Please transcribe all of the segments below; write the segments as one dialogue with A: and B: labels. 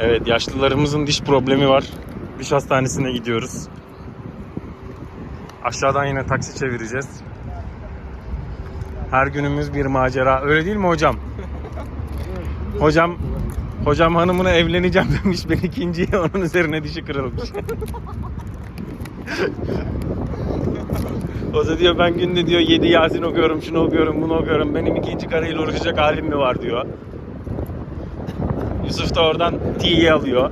A: Evet, yaşlılarımızın diş problemi var. Diş hastanesine gidiyoruz. Aşağıdan yine taksi çevireceğiz. Her günümüz bir macera. Öyle değil mi hocam? Hocam hanımına evleneceğim demiş. Ben ikinciye, onun üzerine dişi kırılmış. O da diyor ben günde diyor 7 Yasin okuyorum, şunu okuyorum, bunu okuyorum. Benim ikinci karıyla uğraşacak halim mi var diyor. Yusuf da oradan T'yi alıyor.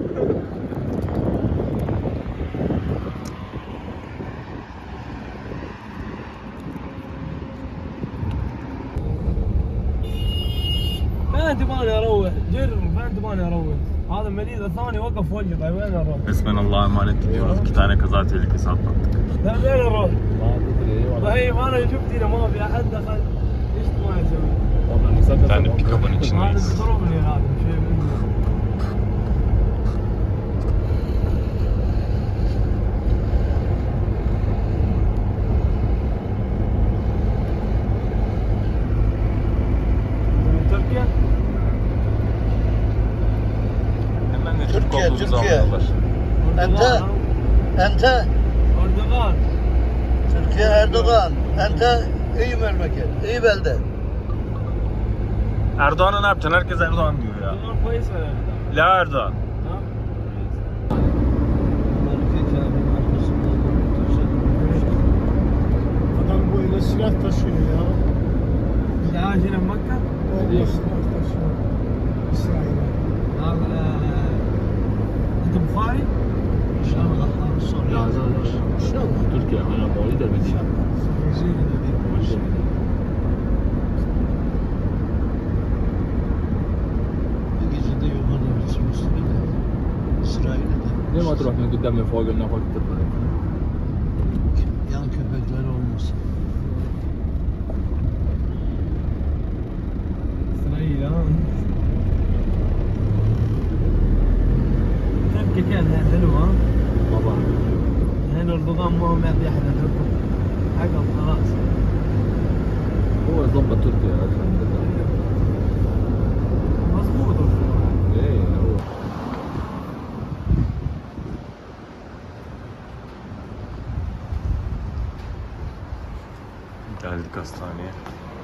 B: فين تبغاني اروح؟ جرب فين تبغاني اروح؟ هذا المريض الثاني وقف وجهي طيب وين اروح؟
A: Resmen Allah'a emanet gidiyoruz. 2 tane kaza tehlikesi atlattık.
B: طيب وين اروح؟ ما تدري طيب انا شفت هنا ما في احد دخل ايش تبغاني اسوي؟
A: Bir tane pick-up'ın
B: هذا
A: içindeyiz.
B: بيضربني هذا شيء منه من تركيا؟
A: Hemen de Türk
C: Türkiye,
A: olduğumuzu
C: Türkiye.
A: anlıyorlar.
C: أنت أنت
B: أردوغان
C: تركيا أردوغان أنت أي مملكة أي بلدة
A: Erdoğan'a ne yapacaksın? Herkes Erdoğan diyor ya.
B: أردوغان كويس ولا لا؟
A: La Erdoğan.
B: ها؟
D: Adam böyle silah taşıyor ya.
B: لا هنا مكة؟
D: Böyle silah taşıyor. İsrail'e.
B: هذا أنت بخاري؟
C: إن شاء الله خالص
E: لا زال
D: İnşallah.
E: تركيا انا مواليد المدينه
C: Gecede yukarıda bitsin üstüne İsrail'de
E: ليه ما تروح من قدام من فوق لنا فوق تطلع
C: yan köpekler olmasın.
B: إسرائيل ها؟ تركيا كانت حلوة ها؟
E: طبعا
B: هنا أردوغان ما هو معطي أحد الحكم حقهم خلاص
E: هو يظبط تركيا الحمد لله
B: مظبوط أردوغان
E: ايه هو
A: Geldik hastaneye.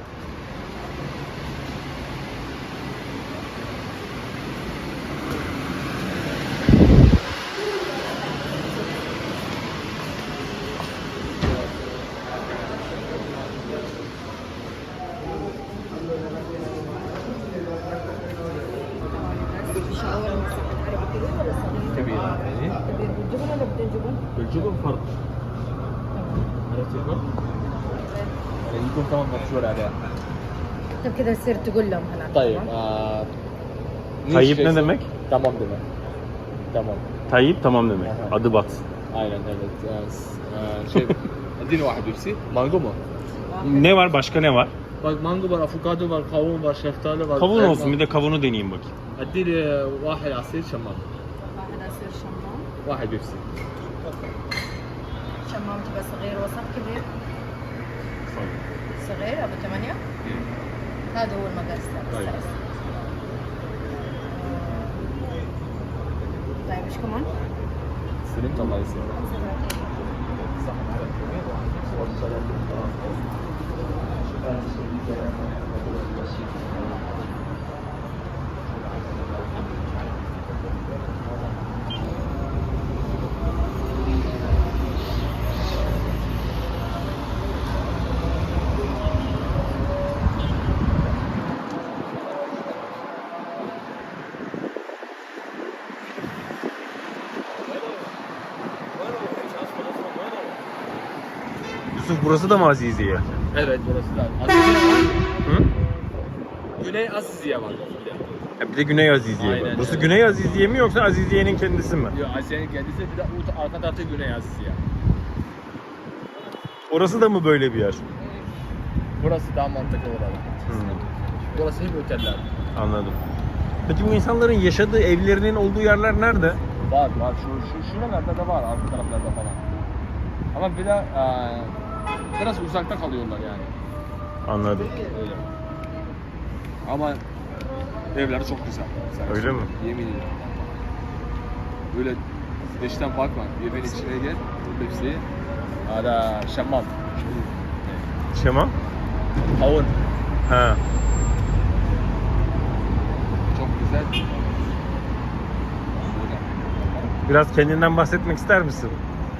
E: كبير
F: بالجبن ولا بدون جبن؟
E: بالجبن فرق عرفت الفرق؟ يعني يكون كمان مبشور عليها
F: طيب كذا تصير تقول لهم هناك
E: طيب
A: Tayyip ne demek?
E: tamam demek tamam
A: Tayyip tamam demek.
E: Aha.
A: Adı Bat.
E: aynen evet şey اديني واحد بيبسي مانجو mu?
A: Ne var? Başka ne var?
E: Bak mango var, avokado var, kavun var, şeftali var.
A: Kavun
E: elma.
A: olsun. Bir de kavunu deneyeyim bakayım.
E: اديني واحد عصير شمام
F: واحد عصير شمام
E: واحد بيبسي
F: شمام تبقى صغير وسط كبير صغير ابو 8 هذا هو المقاس
E: طيب.
F: طيب ايش كمان؟
E: سلمت الله يسلمك
A: Yusuf, burası da mı Aziziye?
E: Evet burası da. Aziziye var.
A: Hı?
E: Güney Aziziye var.
A: Bir de Güney Aziziye var.
E: Aynen,
A: Burası
E: evet.
A: Güney Aziziye mi yoksa Aziziye'nin kendisi mi?
E: Yok Aziziye'nin kendisi bir de arka tarafta Güney Aziziye.
A: Orası da mı böyle bir yer?
E: Burası daha mantıklı olarak. Burası hep oteller.
A: Anladım. Peki bu insanların yaşadığı evlerinin olduğu yerler nerede?
E: Var şuralarda da var arka taraflarda falan. Ama bir de biraz uzakta kalıyorlar yani.
A: Anladım.
E: Öyle. Ama evleri çok güzel.
A: Öyle mi?
E: Yemin ederim. Böyle dıştan bakma. Evin içine gel. Hepsi. Ada şamam.
A: Şema?
E: Havun.
A: Ha.
E: Çok güzel.
A: Biraz kendinden bahsetmek ister misin?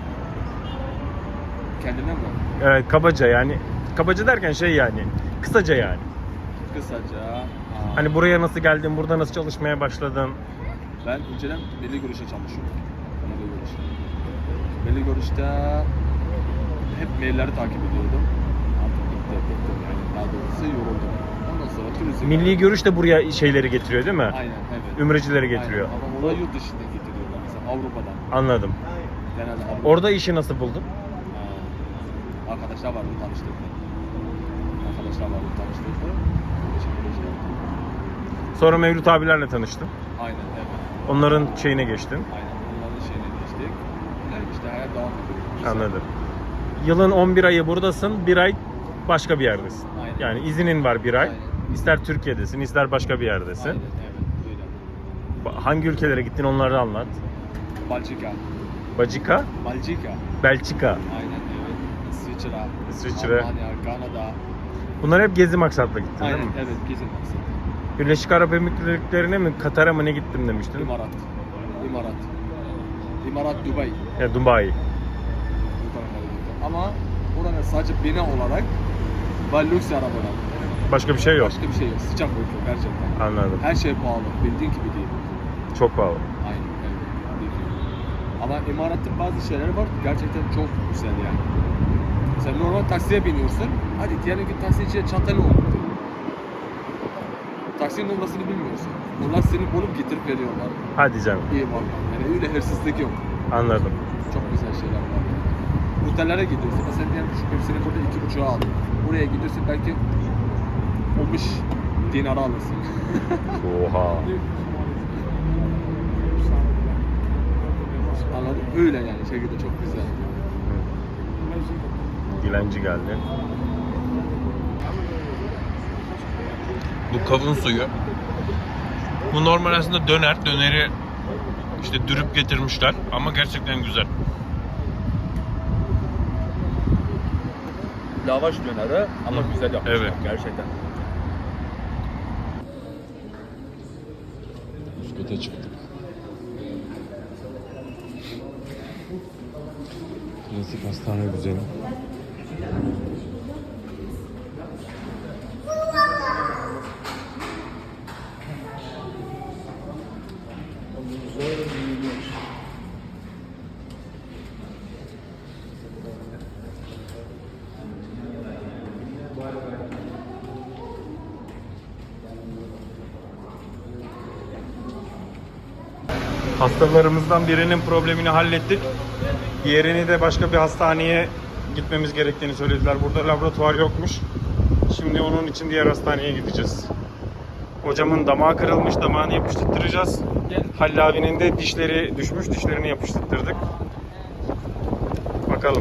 E: Kendine mi?
A: Evet, kabaca yani. Kabaca derken şey yani. Kısaca yani.
E: Kısaca.
A: Hani buraya nasıl geldin, burada nasıl çalışmaya başladın?
E: Ben önceden Milli Görüş'te çalışıyordum. Milli Görüş'te. Milli Görüş'te hep mailleri takip ediyordum. Artık bıktım yani. Daha doğrusu yoruldum. Ondan sonra turizm.
A: Milli Görüş de buraya şeyleri getiriyor değil mi?
E: Aynen, evet.
A: Ümrecileri getiriyor.
E: Aynen. Ama orada yurt dışından getiriyorlar. Mesela Avrupa'dan.
A: Anladım.
E: Genelde Avrupa.
A: Orada işi nasıl buldun?
E: Arkadaşlar vardı, tanıştırdı.
A: Sonra Mevlüt abilerle tanıştın.
E: Aynen, evet.
A: Onların şeyine geçtin.
E: Aynen. Onların şeyine geçtik. Yani işte hayat devam ediyor. Güzel.
A: Anladım. Yılın 11 ayı buradasın, bir ay başka bir yerdesin.
E: Aynen.
A: Yani izinin var bir ay.
E: Aynen.
A: İster Türkiye'desin, ister başka bir yerdesin.
E: Aynen, evet. Öyle.
A: Hangi ülkelere gittin onları anlat.
E: Belçika.
A: Bacika,
E: Belçika.
A: Belçika.
E: Aynen, evet.
A: İsviçre.
E: Almanya, Kanada.
A: Bunlar hep gezi maksatla gittin
E: Aynen,
A: değil mi?
E: evet. Gezin maksatı.
A: Birleşik Arap Emirlikleri'ne mi, Katar'a mı ne gittim demiştin?
E: İmarat. İmarat, Dubai.
A: Ya Dubai.
E: Bu tarafa gitti. Ama oranın sadece bina olarak ve lüks arabalar.
A: Başka bir şey yok.
E: Başka bir şey yok. Sıcak uyku gerçekten.
A: Anladım.
E: Her şey pahalı. Bildiğin gibi değil.
A: Çok pahalı.
E: Aynen. Evet. Bildiğin. Ama imaratın bazı şeyleri var. Gerçekten çok güzel yani. Mesela normal taksiye biniyorsun. Hadi diyelim ki taksi içine çantalı oldu. Taksinin numarasını bilmiyorsun. Onlar seni bulup getirip veriyorlar.
A: Hadi canım.
E: İyi var. Yani öyle hırsızlık yok.
A: Anladım.
E: Çok güzel şeyler var. Otellere gidiyorsun. Mesela diyelim şu hepsini burada 2,5'a aldın. Oraya gidiyorsun belki 15 dinara alırsın.
A: Oha.
E: Anladın? Öyle yani şekilde çok güzel.
A: Dilenci geldi. Bu kavun suyu. Bu normal aslında döner. Döneri işte dürüp getirmişler ama gerçekten güzel.
E: Lavaş döneri ama güzel yapmışlar.
A: Evet.
E: Gerçekten.
A: Üsküt'e çıktık. Klasik hastane güzeli. Hastalarımızdan birinin problemini hallettik. Diğerini de başka bir hastaneye gitmemiz gerektiğini söylediler. Burada laboratuvar yokmuş. Şimdi onun için diğer hastaneye gideceğiz. Hocamın damağı kırılmış, damağını yapıştıracağız. Halil abinin de dişleri düşmüş, dişlerini yapıştırdık. Bakalım.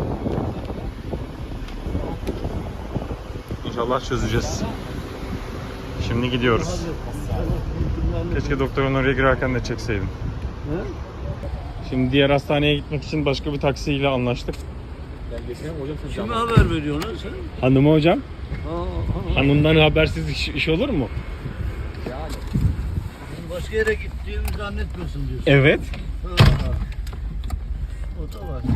A: İnşallah çözeceğiz. Şimdi gidiyoruz. Keşke doktorun oraya girerken de çekseydim. Şimdi diğer hastaneye gitmek için başka bir taksiyle anlaştık.
C: Kime haber veriyorsun lan sen?
A: Hanıma hocam. Hanımdan habersiz iş olur mu?
C: Başka yere gittiğimi zannetmiyorsun diyorsun.
A: Evet.
C: O da var.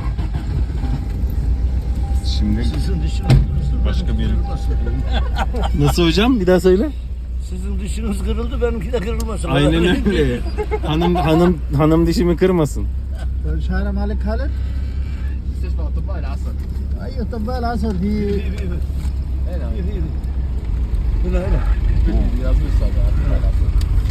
A: Şimdi
C: Sizin dişiniz kırıldı.
A: Başka
C: benimki
A: bir-
C: kırılmasın.
A: nasıl hocam? Bir daha söyle.
C: Sizin dişiniz kırıldı, benimki de kırılmasın.
A: Aynen öyle. hanım dişimi kırmasın.
D: شهر مالك خالد؟
E: مستشفى اطباء العصر.
D: اي اطباء العصر في
E: هنا
C: Hına hına.
E: yazmış zaten اطباء العصر.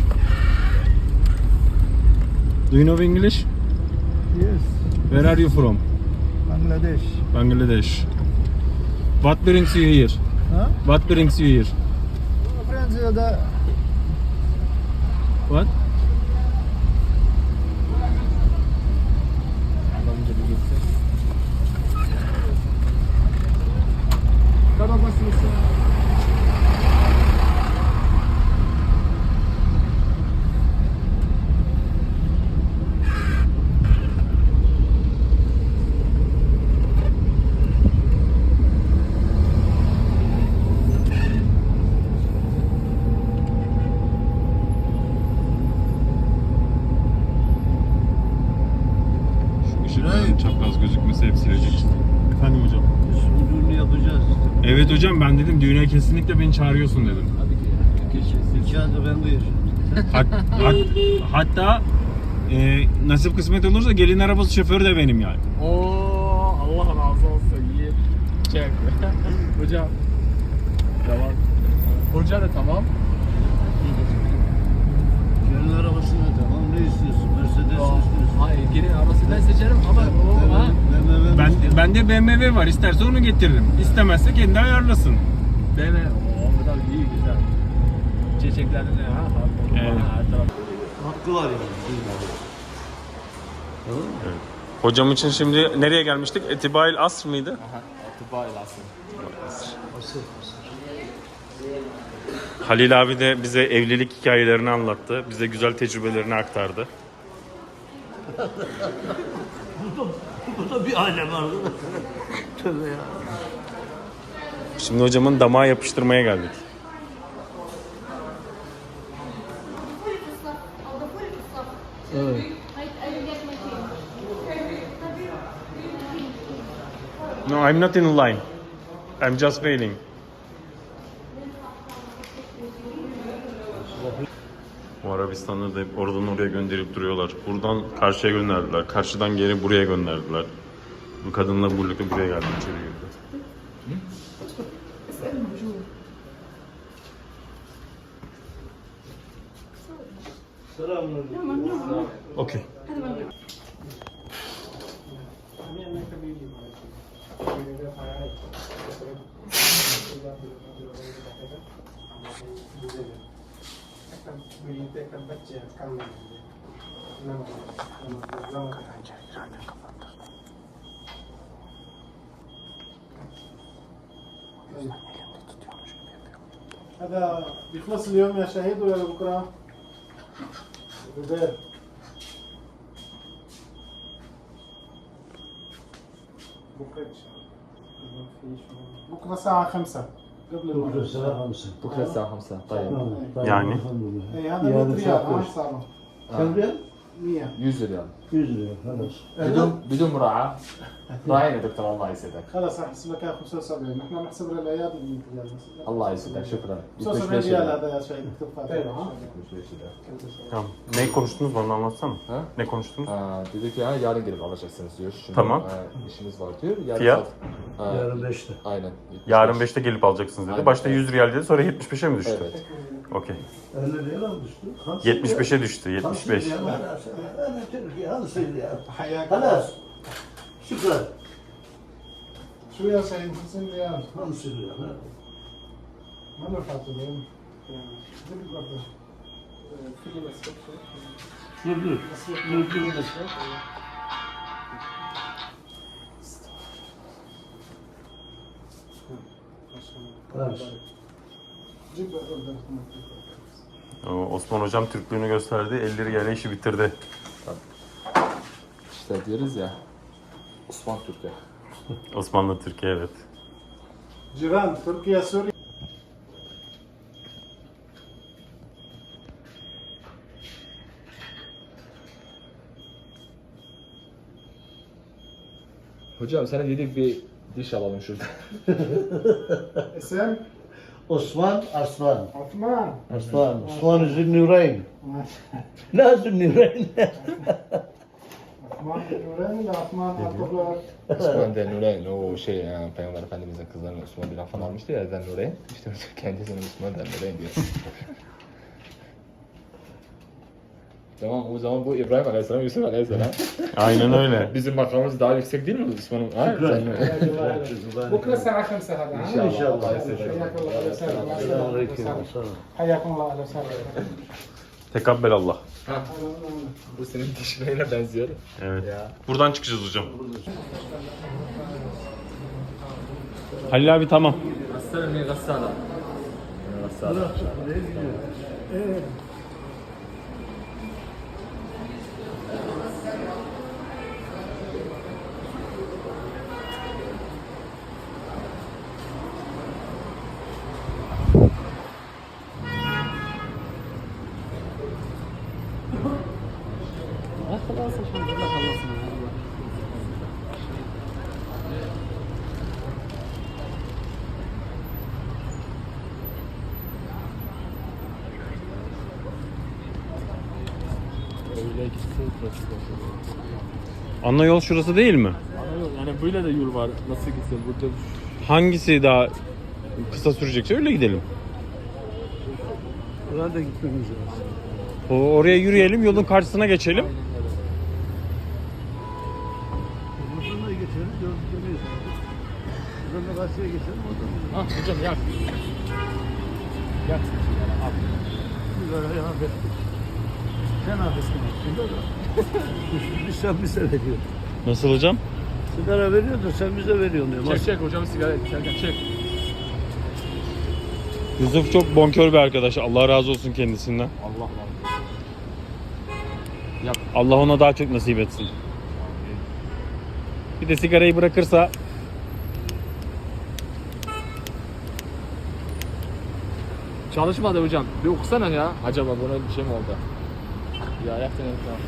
A: Do you know English?
D: Yes,
A: Where are you from?
D: Bangladesh.
A: Bangladesh. What brings you here?
D: Huh?
A: What brings you here?
D: Friends, the
A: What? Burası hep silecek. Efendim hocam.
C: Biz bu düğünü yapacağız işte.
A: Evet hocam, ben dedim düğüne kesinlikle beni çağırıyorsun dedim.
C: Nikahı da ben buyursun.
A: Hatta nasip kısmet olursa gelin arabası şoförü de benim yani.
E: Oo, Allah razı olsun. İyi. Çek. Hocam. Tamam. Hoca da tamam.
C: Gelin arabası da tamam. Ne istiyorsun? Mercedes istiyorsun.
E: Hayır, gelin arabası ben seçerim ama o ha.
A: Ben de BMW var. İsterse onu getiririm. İstemezse kendi ayarlasın.
E: Değil mi? Oo, bu da iyi, güzel. Çiçeklerin ne ha?
A: Evet.
E: Her taraf.
C: Hakkı var yani. Tamam mı?
A: Hocam için şimdi nereye gelmiştik? Etibail Asr mıydı?
E: Aha, Atiba ilasın.
C: Asır.
A: Halil abi de bize evlilik hikayelerini anlattı. Bize güzel tecrübelerini aktardı.
C: Bu da bir aile vardı. Tövbe ya.
A: Şimdi hocamın damağa yapıştırmaya geldik.
C: Evet.
A: No, I'm not in line. I'm just waiting. Bu Arabistan'da da hep oradan oraya gönderip duruyorlar. Buradan karşıya gönderdiler. Karşıdan geri buraya gönderdiler. Bu kadınla birlikte buraya geldi, içeri girdi.
C: Selamünaleyküm.
A: Okay.
D: هذا بيخلص اليوم يا شهيد ولا بكره؟ بدال بكره الساعة 5 قبل
C: Bugün
D: المغرب.
C: saat 5.
E: Bukra saat 5. Tayyip.
A: Yani?
D: اي هذا 100 ريال ما حسابه
C: Sen riyal?
D: 100
E: 100 riyal.
C: 100 riyal. Halas.
E: بدون مراعاة. راعينا دكتور الله يسعدك.
D: خلاص راح احسب لك اياه 75 نحن بنحسب للعياد 100 ريال
E: الله يسعدك شكرا.
D: 75 ريال هذا يا شهيد اكتب فاتحة
A: Tamam. Ne konuştunuz, bana anlatsana.
E: Ha?
A: Ne konuştunuz?
E: Dedi ki yarın gelip alacaksınız diyor. Şimdi,
A: Tamam.
E: işimiz var diyor. Yarın
A: Fiyat?
C: Yarın 5'te.
E: Aynen.
A: Yarın 5'te gelip alacaksınız dedi.
E: Aynen.
A: Başta 100 riyal dedi, sonra 75'e mi düştü?
E: Evet.
A: Okey.
C: 50 riyal mı düştü?
A: 75'e düştü, 75.
C: أنا تركي هذا سيدي
D: حياك
C: خلاص شكرا
D: شو يا سيد 50 ريال
C: 50 ريال
D: ما نفعت اليوم جيب
A: Osman hocam Türklüğünü gösterdi, 50 riyale işi bitirdi.
E: İşte diyoruz ya. Osman Türkiye.
A: Osmanlı Türkiye, evet.
D: جيران تركيا سوريا
E: Hocam sana dedik bir diş alalım şurada.
D: اسم
C: Osman Arslan.
D: عثمان
C: Arslan. Osman Zünnüreyn. La Zünnüreyn.
D: عثمان نورين ولا عثمان عبد
E: Osman Zennureyn o şey Peygamber Efendimiz'in kızlarını Osman bin Affan almıştı ya Zennureyn. İşte kendisine Osman Zennureyn diyor. Tamam o zaman bu İbrahim Aleyhisselam, Yusuf Aleyhisselam.
A: Aynen öyle.
E: Bizim makamımız daha yüksek değil mi Osman'ın? Ha?
D: بكره الساعة 5 هذا ها؟
E: İnşallah.
D: حياك الله اهلا وسهلا
C: Selamünaleyküm.
D: حياكم الله اهلا وسهلا
A: Tekabbel Allah.
E: Bu senin dişlerine benziyor.
A: Evet.
E: Ya.
A: Buradan çıkacağız hocam. Halil abi tamam.
E: Gassala ne gassala? Gassala. Böyle ikisi trafik var.
A: Ana yol şurası değil mi?
E: Ana yol, yani böyle de yol var. Nasıl gitsin? Burada
A: Hangisi daha kısa sürecekse öyle gidelim.
C: Oraya da gitmemiz lazım.
A: Oraya yürüyelim, yolun karşısına geçelim.
C: Buradan da geçelim, dönmeyiz. Buradan da karşıya geçelim, oradan.
E: Ah hocam yak. Yak. Al.
C: Sigara hafif. Sen hafifsin aslında da. Biz sen bize veriyorsun.
A: Nasıl hocam?
C: Sigara veriyor da sen bize veriyorsun diyor.
E: Çek çek hocam sigara içerken çek.
A: Yusuf çok bonkör bir arkadaş. Allah razı olsun kendisinden.
E: Allah Allah. Yap.
A: Allah ona daha çok nasip etsin. Bir de sigarayı bırakırsa
E: Çalışmadı hocam. Bir okusana ya. Acaba buna bir şey mi oldu? Ya yaptın tamam.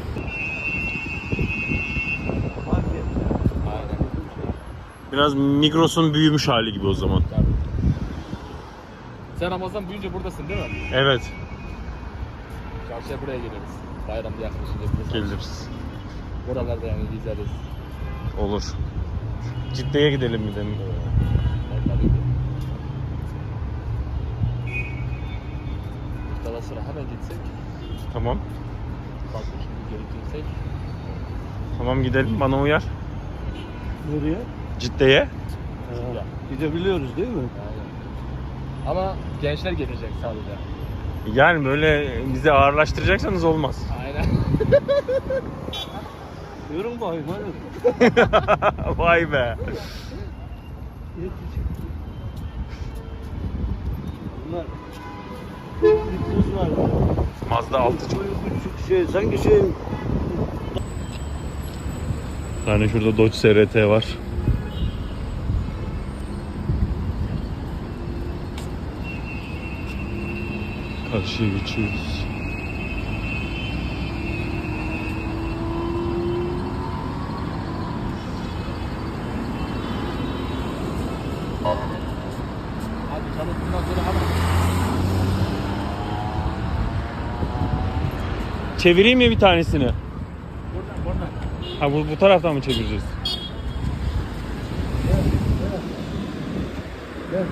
E: Aynen.
A: biraz Migros'un büyümüş hali gibi o zaman.
E: Tabii. Sen Ramazan büyüyünce buradasın değil mi?
A: Evet,
E: Çarşıya buraya geliriz. Bayramda yaklaşınca biz
A: geliriz.
E: buralarda yani gezeriz.
A: Olur. Cidde'ye gidelim bir de.
E: Tabii ki. İftardan sonra hemen gitsek.
A: Tamam.
E: Kalkıp şimdi geri dönsek.
A: Tamam gidelim. Bana uyar.
C: Nereye?
A: Cidde'ye.
E: Ya.
C: Gidebiliyoruz değil mi?
E: Aynen. Ama gençler gelecek sadece.
A: Yani böyle bizi ağırlaştıracaksanız olmaz.
E: Aynen.
C: Yorum bakayım hadi.
A: Vay be.
C: Bunlar bir kız var.
A: Mazda 6
C: Sanki
A: tane şurada Dodge SRT var. Karşıya geçiyoruz.
E: Hadi çabuk bundan sonra hemen.
A: Çevireyim mi bir tanesini?
E: Buradan buradan.
A: Ha bu taraftan mı çevireceğiz?
C: Gel.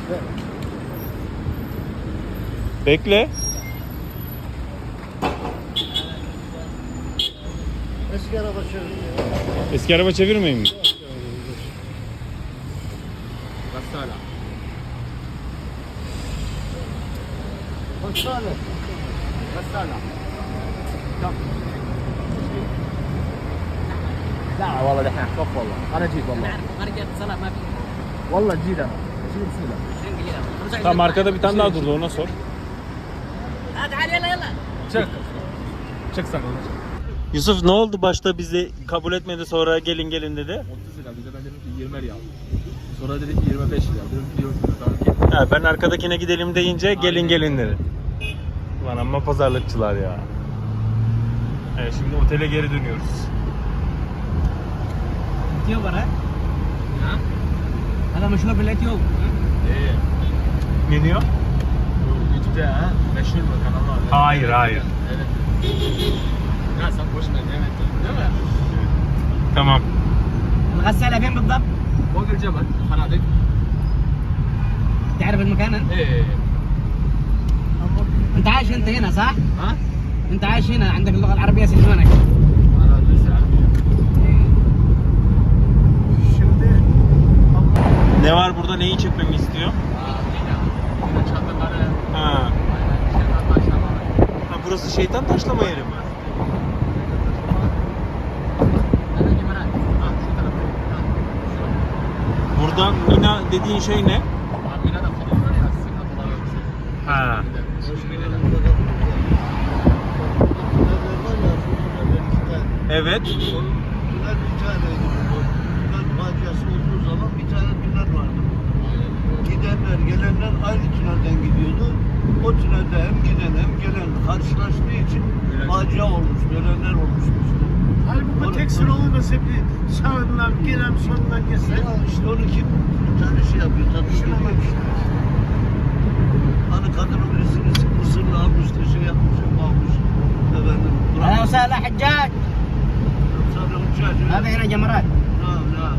A: Bekle.
C: Eski araba çeviriyor.
A: Eski araba çevirmeyeyim mi?
E: Gassala.
C: Hastane.
E: Gassala. Tamam. لا والله دحين خف والله انا جيت والله
F: خارج اتصالات ما في
E: والله جيت انا شيل بسم
F: 20 جنيه
A: Tamam arkada bir tane daha durdu ona sor.
F: تعال يلا يلا
E: Çık. Çık sen.
A: Yusuf ne oldu başta bizi kabul etmedi sonra gelin gelin dedi.
E: 30 lira bize ben dedim ki 20 riyal. Sonra dedi ki 25 lira. Dedim ki 20 lira. Tamam ki.
A: Ha, ben arkadakine gidelim deyince gelin
E: Aynen.
A: gelin dedi. Lan amma pazarlıkçılar ya. Evet şimdi otele geri dönüyoruz.
B: الاثيوب ها؟ نعم هذا مشهور بالاثيوب
E: Eee.
A: Ne diyor?
E: Bu YouTube'da ha meşhur mu kanallar?
A: Hayır hayır.
E: Evet. Ya sen boş ver evet değil mi?
A: Tamam.
B: الغسالة فين بالضبط؟
E: فوق الجبل فنادق.
B: تعرف المكان انت؟
E: ايه.
B: انت عايش انت هنا صح؟
E: ها؟
B: انت عايش هنا عندك اللغة العربية سجنونك
E: انا ادرس العربية.
A: Ne var burada neyi çekmemi istiyor?
E: Yine çadırları.
A: Ha.
E: Aynen şeytan taşlamaları.
A: Ha burası şeytan taşlama yeri mi?
E: Nereye gimana? Ha şu tarafa.
A: Burada Mina dediğin şey ne?
E: Amina da falan var ya sıkıntı dolayı bir şey.
A: Ha. Evet.
C: Tünel bir taneydi bu. Tünel faciası olduğu zaman bir tane tünel vardı. Gidenler, gelenler aynı tünelden gidiyordu. O tünelde hem giden hem gelen karşılaştığı için facia olmuş, ölenler olmuş.
D: Halbuki tek sıra olmasa bir sağından gelen sonundan geçse.
C: Ya işte onu kim bir tane şey yapıyor, tatlı ediyor işte. Hani kadının birisini Mısırlı almış da şey yapmış, almış. Efendim,
B: انا
F: وسهلا حجاج
C: Sadece uçağı.
F: هذا هنا جمرات
C: Naam, naam.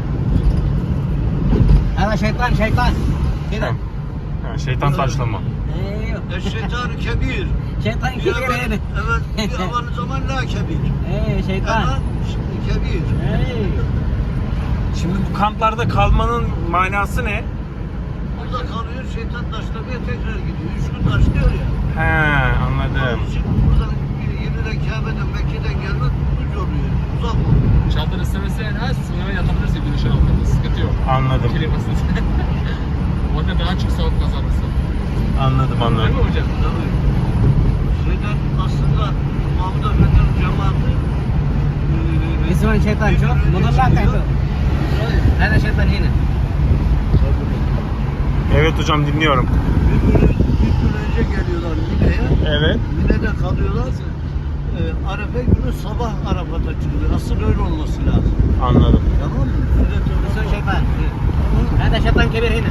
F: هذا شيطان شيطان كذا
A: Ha, şeytan taşlama.
F: ايوه
C: Eşşeytan kebir.
F: شيطان
C: Bir
F: كبير
C: evvel,
F: هنا
C: evet, bir evvel zaman la kebir.
F: ايه شيطان
C: Ama kebir.
F: ايه
A: Şimdi bu kamplarda kalmanın manası ne?
C: Burada kalıyor, şeytan taşlamaya tekrar gidiyor. 3 gün taşlıyor ya.
A: He, anladım.
C: Onun için buradan yeniden Kabe'den, Mekke'den gelmek uç oluyor. Uzak oluyor.
E: Çadır istemesen ha sınava yatabilirsin güneşin altında. Sıkıntı yok.
A: Anladım.
E: Klimasız. Orada daha çok sevap kazanırsın.
A: Anladım,
E: Değil
A: anladım.
E: mi hocam?
C: Tabii. Şeyden aslında Mahmud Efendi'nin cemaati
F: اسمه شيطان شوف مضلات تحته هذا شيطان هنا
A: Evet hocam, dinliyorum.
C: bir gün önce geliyorlar Mine'ye.
A: Evet.
C: Mine'de kalıyorlar. Arefe günü sabah Arafat'a çıkıyor. Asıl öyle olması lazım.
A: Anladım.
C: Tamam mı? Sünnet
F: اسمه
C: öyle.
F: شيطان هذا شيطان كبير هنا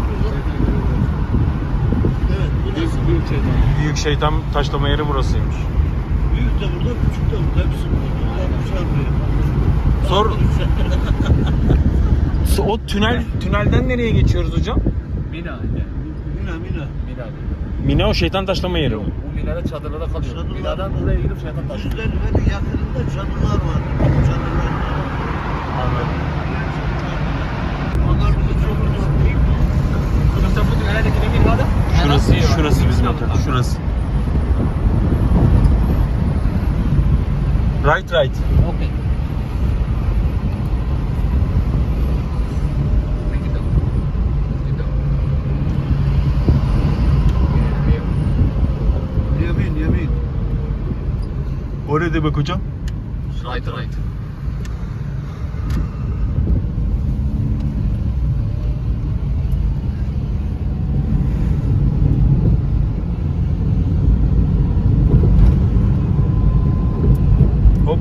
C: Evet, burası.
E: Büyük şeytan.
A: Büyük şeytan taşlama yeri burasıymış.
C: Büyük de burada, küçük de burada. Hepsi burada. Yapmışlar buraya.
A: Sor. O tünelden nereye geçiyoruz hocam?
E: Mina.
C: Mina, Mina.
E: Mina.
A: Mine o şeytan taşlama yeri mi?
E: Bu minada çadırlarda kalıyor.
C: Çadırlar.
E: Minadan oraya gidip şeytan taşıyor.
C: Yüzlerinin yakınında çadırlar var. Çadırlar.
A: Anladım.
C: Onlar bizi çok uzak değil.
E: Yoksa bu dünyadaki emin var da?
A: Şurası bizim otel. Şurası. Right.
F: اوكي
C: Yemin.
A: O ne demek hocam?
E: Right.
A: Hop.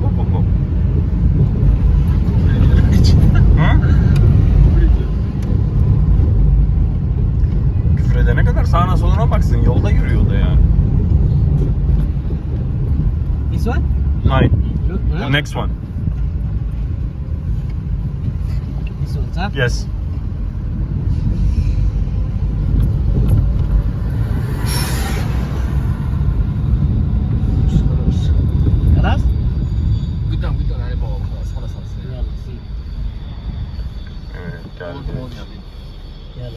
A: Hı? Küfür edene kadar sağına soluna baksın. Yolda yürüyor da ya.
F: This one
A: Nine.
F: شوف ها؟
A: Next one.
F: This one صح
A: Yes.
F: خلاص
E: قدام يعني بابا خلاص خلاص
F: يلا سي
A: Evet, geldi.